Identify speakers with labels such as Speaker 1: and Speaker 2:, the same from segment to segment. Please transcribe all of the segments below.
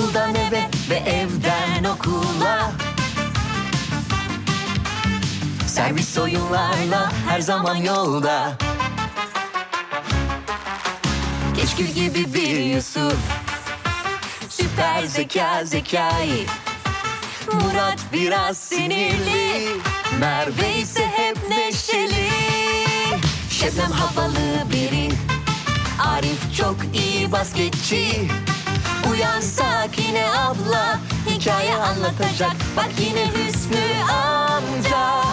Speaker 1: Okuldan eve ve evden okula. Servis oyunlarla her zaman yolda. Keşkül gibi bir Yusuf, süper zeka Zekai. Murat biraz sinirli, Merve ise hep neşeli. Şebnem havalı biri, Arif çok iyi basketçi. Uyan Sakine abla, hikaye anlatacak. Bak yine Hüsnü amca.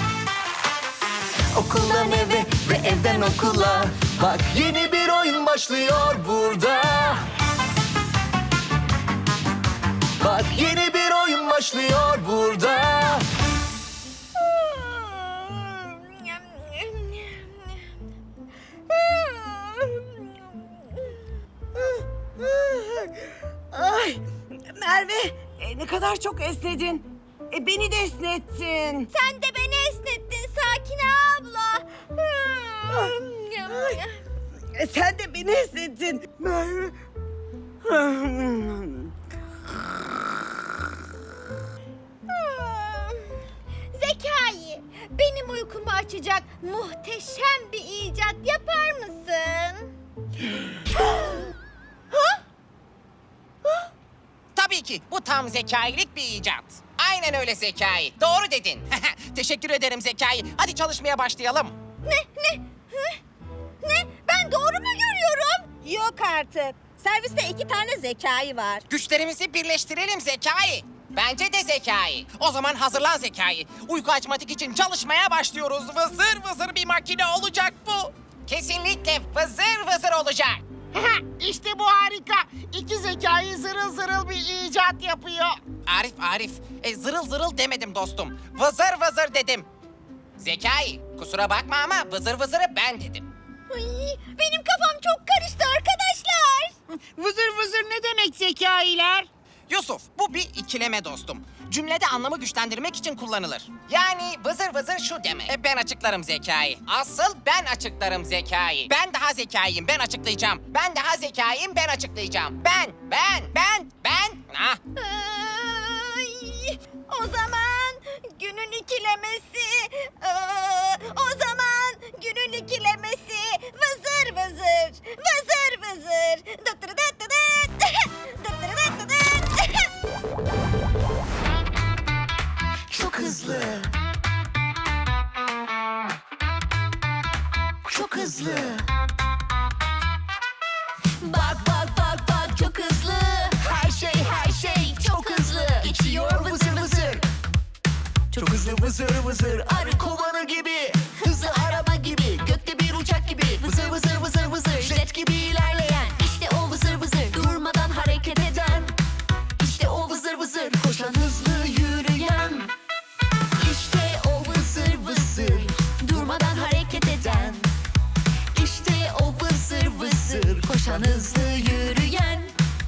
Speaker 1: Okuldan eve ve evden okula. Bak yeni bir oyun başlıyor burada. Bak yeni bir oyun başlıyor burada.
Speaker 2: Ay Merve, ne kadar çok esnedin. Beni de esnettin.
Speaker 3: Sen de beni esnettin Sakine abla.
Speaker 2: Sen de beni esnettin. Merve.
Speaker 3: Zekai, benim uykumu açacak muhteşem bir icat yapar mısın?
Speaker 4: Tabii ki bu tam zekailik bir icat. Aynen öyle Zekai. Doğru dedin. Teşekkür ederim Zekai. Hadi çalışmaya başlayalım.
Speaker 3: Ne? Ben doğru mu görüyorum?
Speaker 5: Yok artık. Serviste 2 tane Zekai var.
Speaker 4: Güçlerimizi birleştirelim Zekai. Bence de Zekai. O zaman hazırlan Zekai. Uyku açmatik için çalışmaya başlıyoruz. Vızır vızır bir makine olacak bu. Kesinlikle vızır vızır olacak.
Speaker 6: İşte bu harika. İki zekayı zırıl zırıl bir icat yapıyor.
Speaker 4: Arif. Zırıl zırıl demedim dostum. Vızır vızır dedim. Zekai, kusura bakma ama vızır vızırı ben dedim.
Speaker 3: Ay, benim kafam çok karıştı arkadaşlar.
Speaker 6: Vızır vızır ne demek zekailer?
Speaker 4: Yusuf, bu bir ikileme dostum. Cümlede anlamı güçlendirmek için kullanılır. Yani vızır vızır şu demek. Ben açıklarım Zekai. Asıl ben açıklarım Zekai. Ben daha zekayım, ben açıklayacağım. Ben daha zekayım, ben açıklayacağım. Ben. Ah.
Speaker 3: Ay, o zaman günün ikilemesi. O zaman günün ikilemesi. Vızır vızır. Vızır vızır. Dıtırıdıtıdıt. Dıtırıdıtıdıt.
Speaker 1: Çok hızlı. Çok hızlı. Bak çok hızlı. Her şey çok hızlı. Geçiyor vızır vızır. Çok hızlı vızır vızır. Arı kovanı gibi. Hızlı araba gibi. Gökte bir uçak gibi. Vızır vızır vızır vızır. Jet gibi ilerleyen. İşte o vızır vızır. Durmadan hareket eden. İşte o vızır vızır. Koşan hızlı yürüyen. İşte o vızır vızır. Durmadan hareket eden. İşte o vızır vızır. Koşan hızlı yürüyen.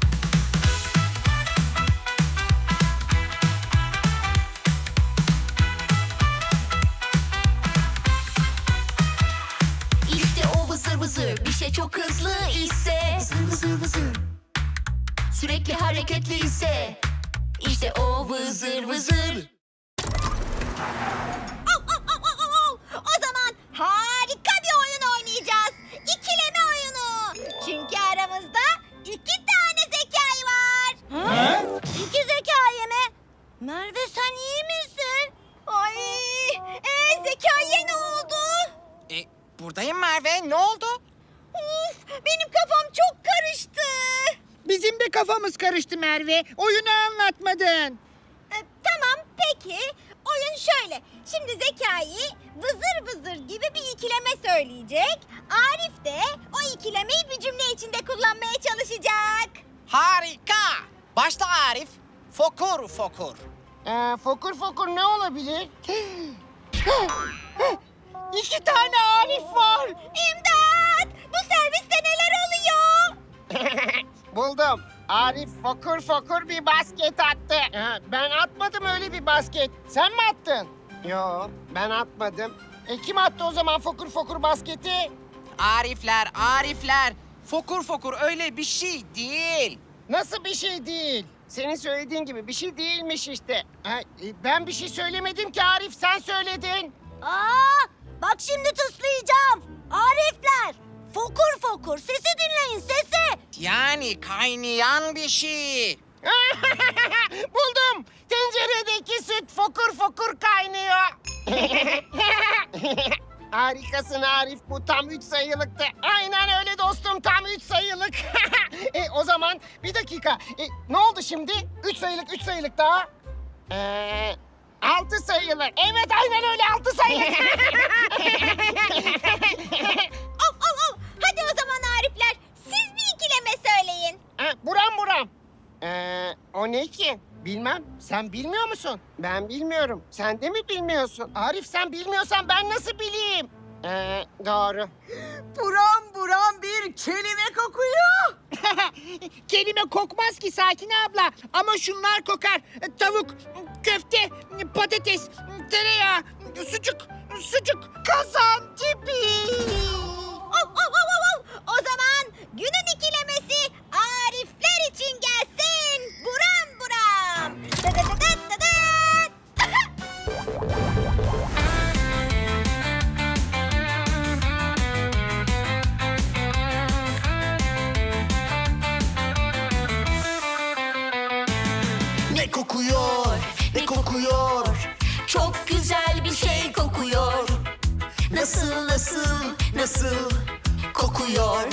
Speaker 1: İşte o vızır vızır. Bir şey çok hızlı ise. Vızır vızır vızır. Sürekli hareketli ise. İşte o vızır vızır.
Speaker 3: O zaman harika bir oyun oynayacağız. İkileme oyunu. Çünkü aramızda 2 tane zekai var. İki zekai mi? Merve sen iyi misin? Ay, zekaiye ne oldu?
Speaker 4: Buradayım Merve, ne oldu?
Speaker 3: Uf, benim kafam çok karıştı.
Speaker 6: Bizim de kafamız karıştı Merve. Oyunu anlatmadın.
Speaker 3: Tamam peki. Oyun şöyle. Şimdi Zekai vızır vızır gibi bir ikileme söyleyecek. Arif de o ikilemeyi bir cümle içinde kullanmaya çalışacak.
Speaker 4: Harika! Başla Arif. Fokur fokur.
Speaker 6: Fokur fokur ne olabilir? İki tane Arif var.
Speaker 3: İmdat! Bu serviste neler oluyor?
Speaker 6: Buldum. Arif fokur fokur bir basket attı. Ben atmadım öyle bir basket. Sen mi attın? Yo, ben atmadım. Kim attı o zaman fokur fokur basketi?
Speaker 4: Arifler. Fokur fokur öyle bir şey değil.
Speaker 6: Nasıl bir şey değil? Senin söylediğin gibi bir şey değilmiş işte. Ben bir şey söylemedim ki Arif, sen söyledin.
Speaker 5: Aa, bak şimdi tıslayacağım. Arifler, fokur fokur sesi dinleyin sesi.
Speaker 4: Yani kaynayan bir şey.
Speaker 6: Buldum. Tenceredeki süt fokur fokur kaynıyor. Harikasın Arif, bu tam 3 sayılıktı. Aynen öyle dostum, tam 3 sayılık. O zaman bir dakika. Ne oldu şimdi? 3 sayılık daha. 6 sayılık. Evet aynen öyle, 6 sayılık.
Speaker 3: Of. Hadi o zaman Arifler, siz bir ikileme söyleyin.
Speaker 6: Buram. O ne ki? Bilmem. Sen bilmiyor musun? Ben bilmiyorum. Sen de mi bilmiyorsun? Arif, sen bilmiyorsan ben nasıl bileyim? Doğru.
Speaker 2: Buram buram bir kelime kokuyor.
Speaker 6: Kelime kokmaz ki Sakin abla. Ama şunlar kokar. Tavuk, köfte, patates, tereyağı, sucuk, kazan tipi.
Speaker 3: O zaman günün ikilemesi Arifler için gelsin. Buram buram.
Speaker 1: Ne kokuyor, ne kokuyor? Çok güzel bir şey kokuyor. Nasıl kokuyor?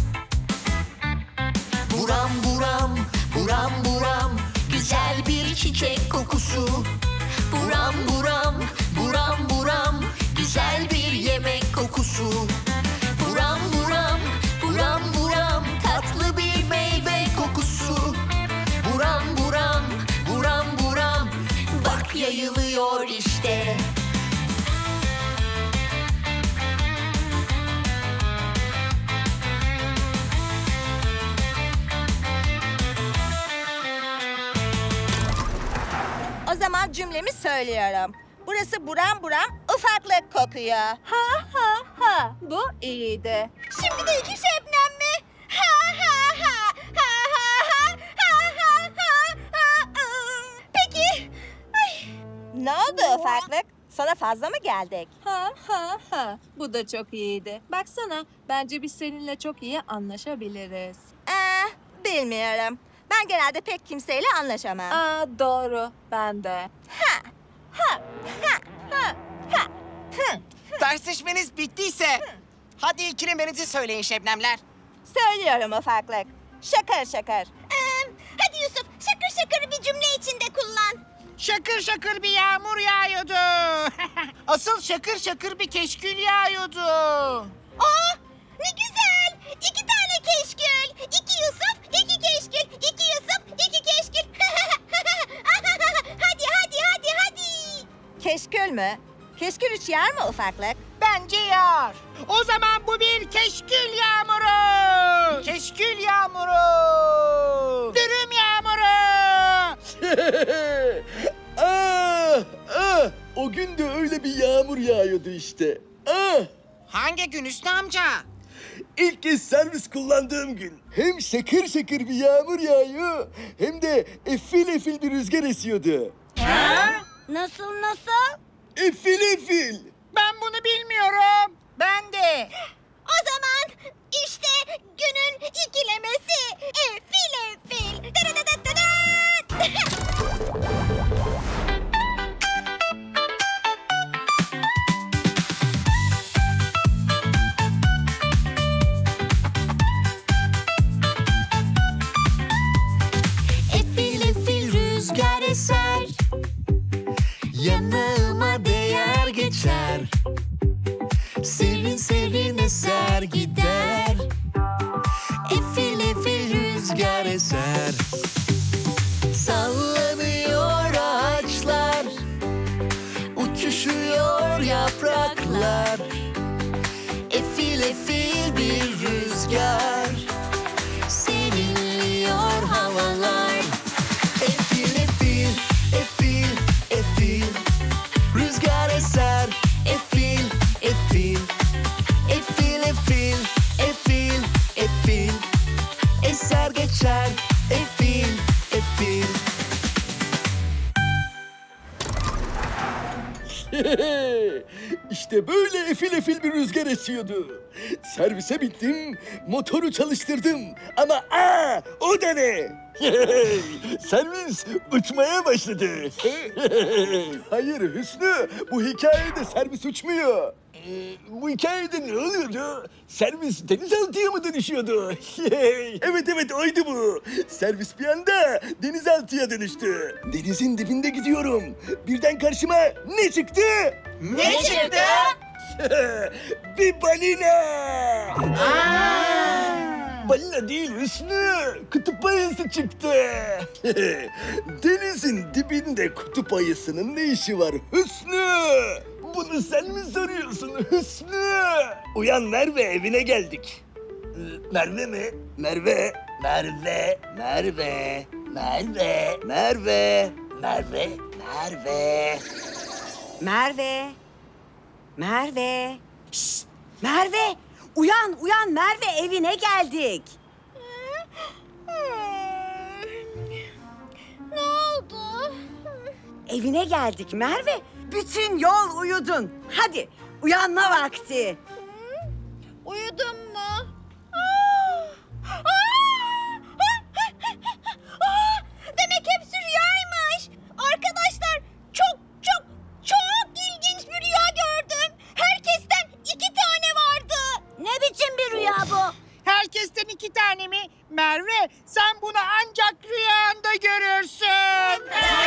Speaker 1: Buram buram, güzel bir çiçek kokusu. Buram buram, güzel bir yemek kokusu. Buram buram, tatlı bir meyve kokusu. Buram buram, bak yayılıyor işte.
Speaker 5: O zaman cümlemi söylüyorum. Burası buram buram ufaklık kokuyor. Ha. Bu iyiydi.
Speaker 3: Şimdi de iki Şebnem mi? Peki.
Speaker 5: Ne oldu ufaklık? Sana fazla mı geldik?
Speaker 7: Ha. Bu da çok iyiydi. Baksana, bence biz seninle çok iyi anlaşabiliriz.
Speaker 5: Bilmiyorum. Ben genelde pek kimseyle anlaşamam.
Speaker 7: Doğru. Ben de.
Speaker 4: Tartışmanız bittiyse hadi ikilemenizi söyleyin Şebnemler.
Speaker 5: Söylüyorum ufaklık. Şakır.
Speaker 3: Hadi Yusuf, şakır bir cümle içinde kullan.
Speaker 6: Şakır bir yağmur yağıyordu. Asıl şakır bir keşkül yağıyordu.
Speaker 3: Aa, ne güzel. 2 tane keşkül. 2 Yusuf, 2 keşkül. 2 Yusuf, 2 keşkül. Hadi.
Speaker 5: Keşkül mü? Keşkül hiç yer mi ufaklık?
Speaker 6: Bence yağar. O zaman bu bir keşkül yağmuru. Keşkül yağmuru. Dürüm yağmuru.
Speaker 8: O gün de öyle bir yağmur yağıyordu işte.
Speaker 4: Hangi gün Hüsnü amca?
Speaker 8: İlk kez servis kullandığım gün. Hem şakır şakır bir yağmur yağıyor hem de efil bir rüzgar esiyordu.
Speaker 5: Nasıl?
Speaker 8: Efil.
Speaker 6: Ben bunu bilmiyorum. Ben de.
Speaker 3: O zaman işte günün ikilemesi. Efil.
Speaker 1: Efil rüzgar eser, yanağıma değer geçer. Serin eser gider. Efil rüzgar eser.
Speaker 8: İşte böyle efil efil bir rüzgar esiyordu. Servise bittim, motoru çalıştırdım. Ama o da ne? Servis uçmaya başladı. Hayır Hüsnü, bu hikayede servis uçmuyor. Bu hikayede ne oluyordu? Servis denizaltıya mı dönüşüyordu? Evet oydu bu. Servis bir anda denizaltıya dönüştü. Denizin dibinde gidiyorum. Birden karşıma ne çıktı?
Speaker 4: Ne çıktı?
Speaker 8: Bir balina. Balina değil Hüsnü. Kutup ayısı çıktı. Denizin dibinde kutup ayısının ne işi var Hüsnü? Bunu sen mi soruyorsun Hüsnü? Uyan Merve, evine geldik. Merve mi? Merve. Merve. Merve. Merve. Merve. Merve. Merve.
Speaker 2: Merve. Merve. Şşt, Merve. Uyan Merve, evine geldik.
Speaker 3: Ne oldu?
Speaker 2: Evine geldik Merve. Bütün yol uyudun. Hadi uyanma vakti.
Speaker 3: Uyudum mu? Demek hepsi rüyaymış. Arkadaşlar çok ilginç bir rüya gördüm. Herkesten 2 tane vardı.
Speaker 5: Ne biçim bir rüya bu?
Speaker 6: Herkesten 2 tane mi? Merve, sen bunu ancak rüyanda görürsün.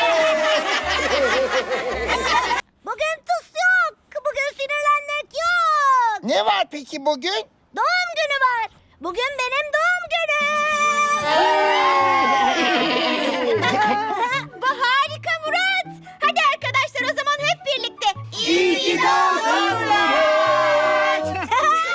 Speaker 5: Bugün tıs yok. Bugün sinirlenmek yok.
Speaker 6: Ne var peki bugün?
Speaker 5: Doğum günü var. Bugün benim doğum günüm.
Speaker 3: Bu harika Murat. Hadi arkadaşlar o zaman hep birlikte.
Speaker 5: İyi ki doğdun Murat.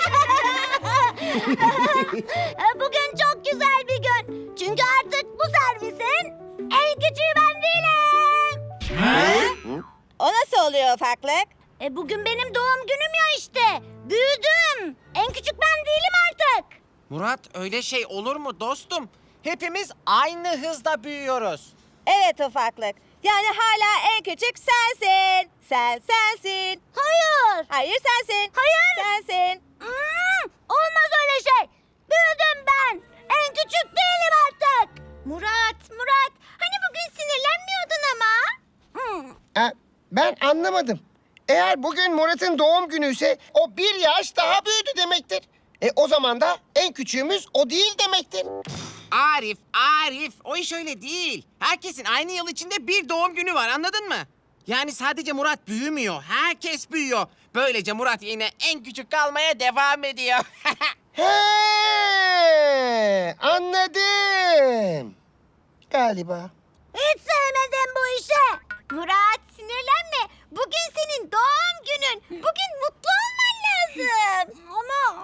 Speaker 5: Bugün çok güzel bir gün. Çünkü artık bu servisin en küçüğü ben değilim. O nasıl oluyor ufaklık? Bugün benim doğum günüm ya işte. Büyüdüm. En küçük ben değilim artık.
Speaker 4: Murat öyle şey olur mu dostum? Hepimiz aynı hızda büyüyoruz.
Speaker 5: Evet ufaklık. Yani hala en küçük sensin. Sensin. Hayır. Hayır sensin. Hayır. Sensin. Olmaz öyle şey. Büyüdüm ben. En küçük değilim artık.
Speaker 3: Murat. Hani bugün sinirlenmiyordun ama.
Speaker 6: Ben anlamadım. Eğer bugün Murat'ın doğum günü ise o 1 yaş daha büyüdü demektir. O zaman da en küçüğümüz o değil demektir.
Speaker 4: Arif, o iş öyle değil. Herkesin aynı yıl içinde bir doğum günü var, anladın mı? Yani sadece Murat büyümüyor, herkes büyüyor. Böylece Murat yine en küçük kalmaya devam ediyor.
Speaker 6: He, anladım. Galiba.
Speaker 5: Hiç sevmedim bu işi.
Speaker 3: Murat sinirlenme. Bugün senin doğum günün. Bugün mutlu olman lazım.
Speaker 5: Ama...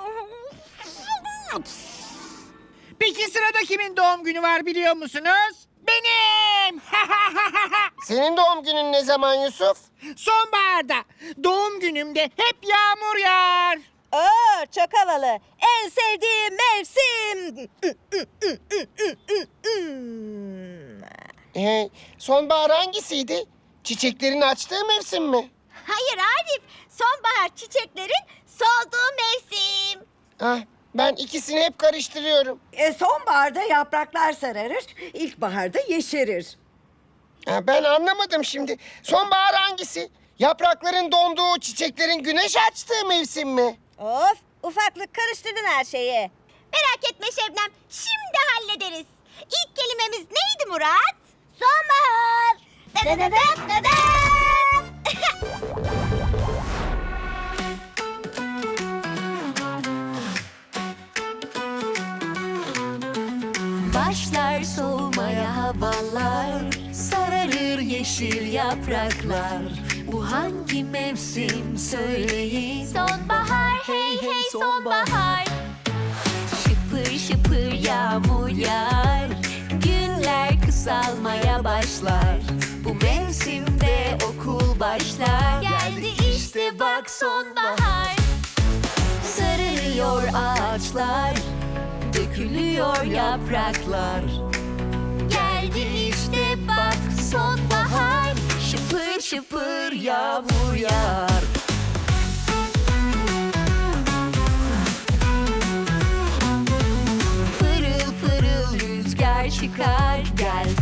Speaker 9: Peki sırada kimin doğum günü var biliyor musunuz? Benim!
Speaker 6: Senin doğum günün ne zaman Yusuf?
Speaker 9: Sonbaharda. Doğum günümde hep yağmur yağar.
Speaker 5: Oo, çok havalı. En sevdiğim mevsim.
Speaker 6: Sonbahar hangisiydi? Çiçeklerin açtığı mevsim mi?
Speaker 3: Hayır Arif. Sonbahar çiçeklerin solduğu mevsim.
Speaker 6: Ben ikisini hep karıştırıyorum.
Speaker 2: Sonbaharda yapraklar sararır, ilkbaharda yeşerir.
Speaker 6: Ben anlamadım şimdi. Sonbahar hangisi? Yaprakların donduğu, çiçeklerin güneş açtığı mevsim mi?
Speaker 5: Of, ufaklık karıştırdın her şeyi.
Speaker 3: Merak etme Şebnem. Şimdi hallederiz. İlk kelimemiz neydi Murat?
Speaker 5: Sonbahar.
Speaker 3: Dadadadam, dadam.
Speaker 1: Başlar soğumaya havalar, sararır yeşil yapraklar. Bu hangi mevsim söyleyin?
Speaker 3: Sonbahar, hey hey sonbahar.
Speaker 1: Şıpır şıpır yağmur yağar, günler kısalmaya başlar. Bu mevsimde okul başlar. Geldi işte bak sonbahar. Sararıyor ağaçlar, dökülüyor yapraklar. Geldi işte bak sonbahar. Şıpır şıpır yağmur yağar.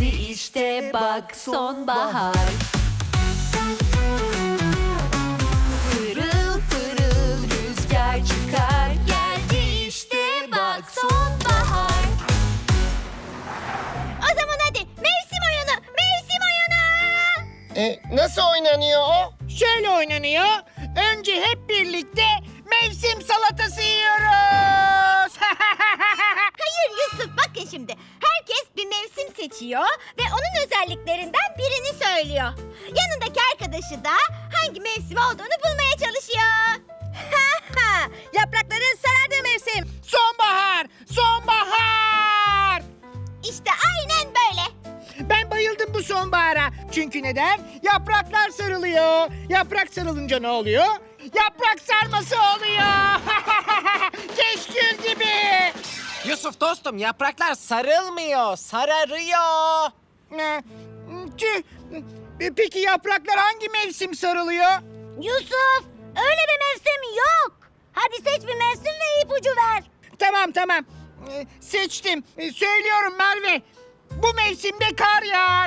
Speaker 1: Geldi işte bak sonbahar. Pırıl pırıl rüzgar çıkar. Geldi işte bak sonbahar.
Speaker 3: O zaman hadi mevsim oyunu, mevsim oyunu.
Speaker 6: Nasıl oynanıyor o?
Speaker 9: Şöyle oynanıyor. Önce hep birlikte mevsim salatası yiyoruz.
Speaker 3: Hayır Yusuf, bakın şimdi. Herkes bir mevsim seçiyor ve onun özelliklerinden birini söylüyor. Yanındaki arkadaşı da hangi mevsim olduğunu bulmaya çalışıyor.
Speaker 2: Yaprakların sarardığı mevsim.
Speaker 9: Sonbahar! Sonbahar!
Speaker 3: İşte aynen böyle.
Speaker 9: Ben bayıldım bu sonbahara. Çünkü neden? Yapraklar sarılıyor. Yaprak sarılınca ne oluyor? Yaprak sarması oluyor. Keşkül gibi.
Speaker 4: Yusuf dostum, yapraklar sarılmıyor, sararıyor.
Speaker 9: Tüh. Peki yapraklar hangi mevsim sarılıyor?
Speaker 5: Yusuf, öyle bir mevsim yok. Hadi seç bir mevsim ve ipucu ver.
Speaker 9: Tamam. Seçtim. Söylüyorum Merve. Bu mevsimde kar yağar.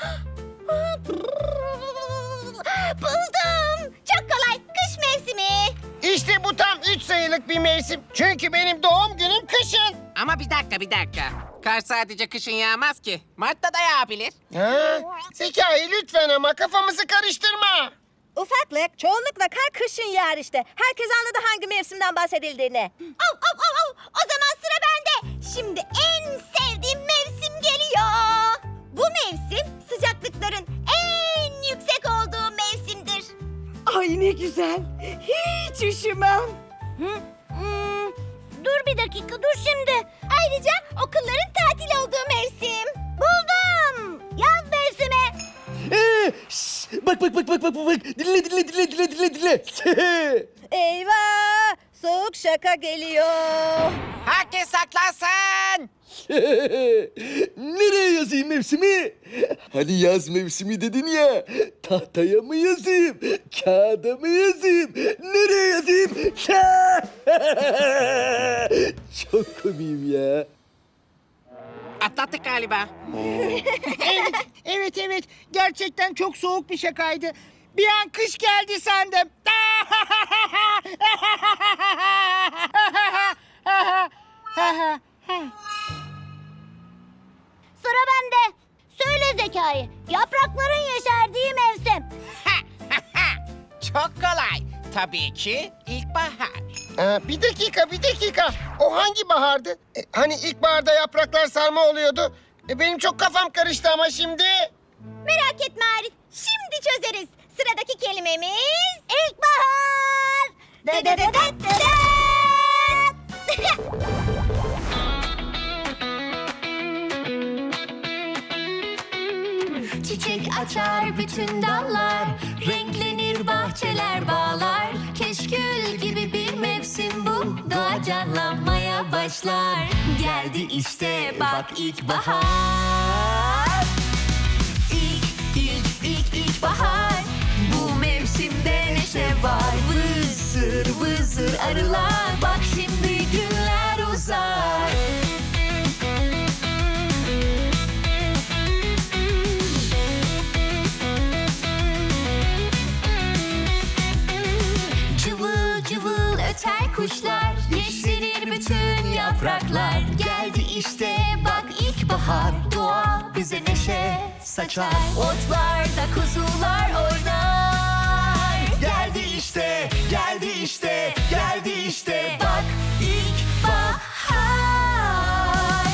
Speaker 3: Buldum. Çok kolay. Kış mevsimi.
Speaker 6: İşte bu tam 3 sayılık bir mevsim. Çünkü benim doğum günüm kışın.
Speaker 4: Ama bir dakika. Kar sadece kışın yağmaz ki. Mart'ta da yağabilir.
Speaker 6: Zekai lütfen ama kafamızı karıştırma.
Speaker 2: Ufaklık, çoğunlukla kar kışın yağar işte. Herkes anladı hangi mevsimden bahsedildiğini.
Speaker 3: Au. O zaman sıra bende. Şimdi en sevdiğim mevsim geliyor. Bu mevsim sıcaklıkların en yüksek olduğu mevsimdir.
Speaker 2: Ay ne güzel. Hiç üşümem.
Speaker 5: Dur bir dakika, dur şimdi.
Speaker 3: Ayrıca okulların tatil olduğu mevsim.
Speaker 5: Buldum. Yaz mevsimi.
Speaker 8: Bak. Dinle.
Speaker 2: Eyvah! Soğuk şaka geliyor.
Speaker 4: Herkes saklansın.
Speaker 8: Nereye yazayım mevsimi? Hani yaz mevsimi dedin ya. Tahtaya mı yazayım? Kağıda mı yazayım? Nereye yazayım? Çok komiyim ya.
Speaker 4: Atlattık galiba.
Speaker 9: Evet. Gerçekten çok soğuk bir şakaydı. Bir an kış geldi sandım.
Speaker 5: Sıra bende. Söyle Zekai. Yaprakların yeşerdiği mevsim.
Speaker 4: Çok kolay. Tabii ki ilkbahar.
Speaker 6: Bir dakika. O hangi bahardı? Hani ilkbaharda yapraklar sarma oluyordu. Benim çok kafam karıştı ama şimdi.
Speaker 3: Merak etme Arif. Şimdi çözeriz. Sıradaki kelimemiz
Speaker 5: İlkbahar.
Speaker 1: Çiçek açar bütün dallar, renklenir bahçeler bağlar. Keşkül gibi bir mevsim bu, doğa canlanmaya başlar. Geldi işte bak ilkbahar. İlkbahar. Bu mevsimde neşe var. Vızır vızır arılar, bak şimdi günler uzar. Cıvıl cıvıl öter kuşlar, yeşerir bütün yapraklar. Geldi işte bak ilkbahar, doğa bize neşe saçar. Otlarda kuzular oynar. Geldi işte bak ilkbahar.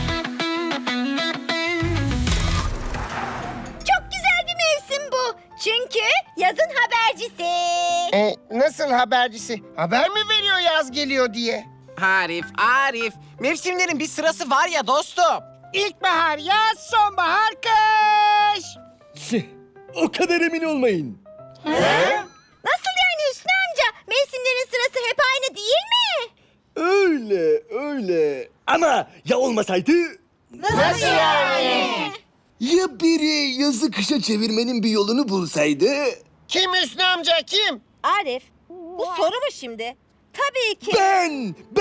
Speaker 3: çok güzel bir mevsim bu. Çünkü yazın habercisi.
Speaker 6: Nasıl habercisi? Haber mi veriyor yaz geliyor diye?
Speaker 4: Arif. Mevsimlerin bir sırası var ya dostum.
Speaker 9: İlkbahar, yaz, sonbahar, kış.
Speaker 8: O kadar emin olmayın.
Speaker 3: Nasıl yani Hüsnü amca? Mevsimlerin sırası hep aynı değil mi?
Speaker 8: Öyle. Ama ya olmasaydı?
Speaker 3: Nasıl yani?
Speaker 8: Ya biri yazı kışa çevirmenin bir yolunu bulsaydı?
Speaker 6: Kim Hüsnü amca kim?
Speaker 2: Arif, bu soru mu şimdi? Tabii ki.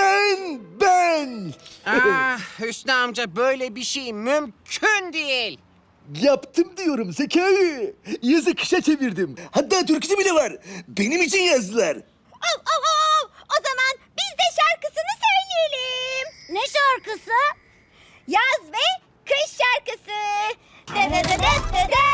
Speaker 8: Ben.
Speaker 4: Hüsnü amca, böyle bir şey mümkün değil.
Speaker 8: Yaptım diyorum Zekai. Yazı kışa çevirdim. Hatta türküsü bile var. Benim için yazdılar.
Speaker 3: O zaman biz de şarkısını söyleyelim.
Speaker 5: Ne şarkısı?
Speaker 3: Yaz ve kış şarkısı. De de de de de.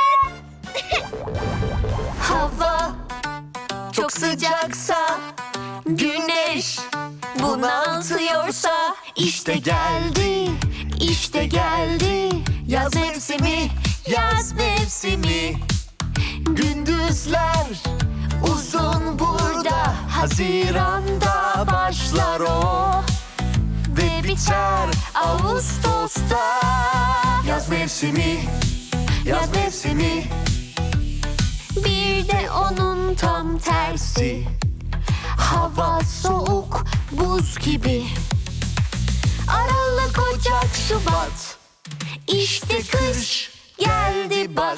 Speaker 1: Hava çok sıcaksa, güneş bunaltıyorsa, işte geldi, işte geldi yaz mevsimi, yaz mevsimi. Gündüzler uzun burada, Haziran'da başlar o ve biter Ağustos'ta. Yaz mevsimi, yaz mevsimi. Bir de onun tam tersi, hava soğuk buz gibi. Aralık, Ocak, Şubat, İşte kış geldi bak.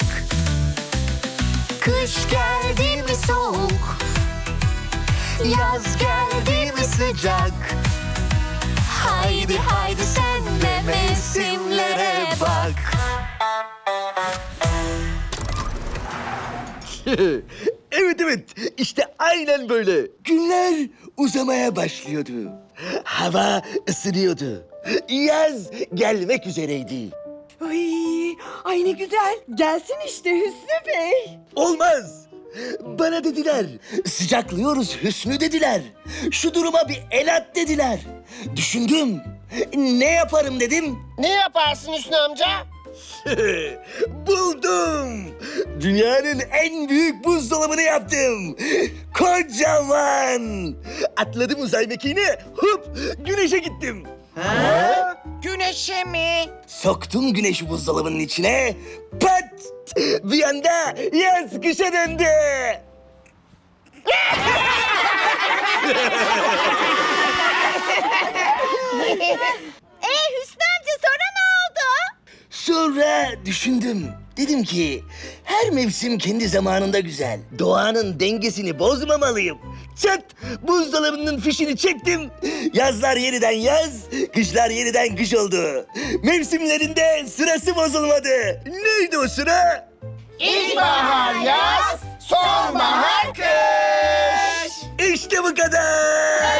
Speaker 1: Kış geldi mi soğuk, yaz geldi mi sıcak. Haydi haydi sen de mevsimlere bak.
Speaker 8: Evet, işte aynen böyle. Günler uzamaya başlıyordu. Hava ısınıyordu. Yaz gelmek üzereydi.
Speaker 2: Ay ne güzel. Gelsin işte Hüsnü Bey.
Speaker 8: Olmaz. Bana dediler. Sıcaklıyoruz Hüsnü dediler. Şu duruma bir el at dediler. Düşündüm. Ne yaparım dedim.
Speaker 6: Ne yaparsın Hüsnü amca?
Speaker 8: Buldum. Dünyanın en büyük buzdolabını yaptım. Kocaman. Atladım uzay mekiğine. Hop güneşe gittim.
Speaker 4: Güneşe mi?
Speaker 8: Soktum güneşi buzdolabının içine. Pat! Bir anda yaz kışa döndü.
Speaker 3: Hüsnü amca sonra ne oldu?
Speaker 8: Sonra düşündüm. Dedim ki her mevsim kendi zamanında güzel. Doğanın dengesini bozmamalıyım. Çat! Buzdolabının fişini çektim. Yazlar yeniden yaz, kışlar yeniden kış oldu. Mevsimlerinde sırası bozulmadı. Neydi o sıra?
Speaker 6: İlkbahar yaz, sonbahar kış.
Speaker 8: İşte bu kadar.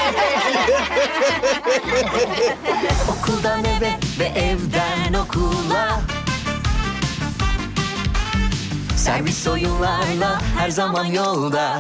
Speaker 1: Okuldan eve ve evden okula, servis oyunlarla her zaman yolda.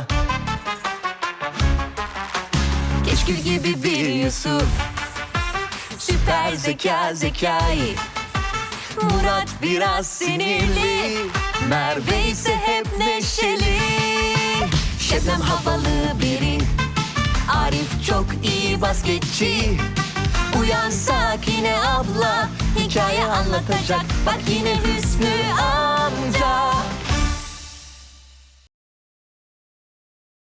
Speaker 1: Keşkül gibi bir Yusuf, süper zeka Zekai. Murat biraz sinirli, Merve ise hep neşeli. Şebnem havalı biri, Arif çok iyi basketçi. Uyan Sakine abla, hikaye anlatacak. Bak yine Hüsnü amca.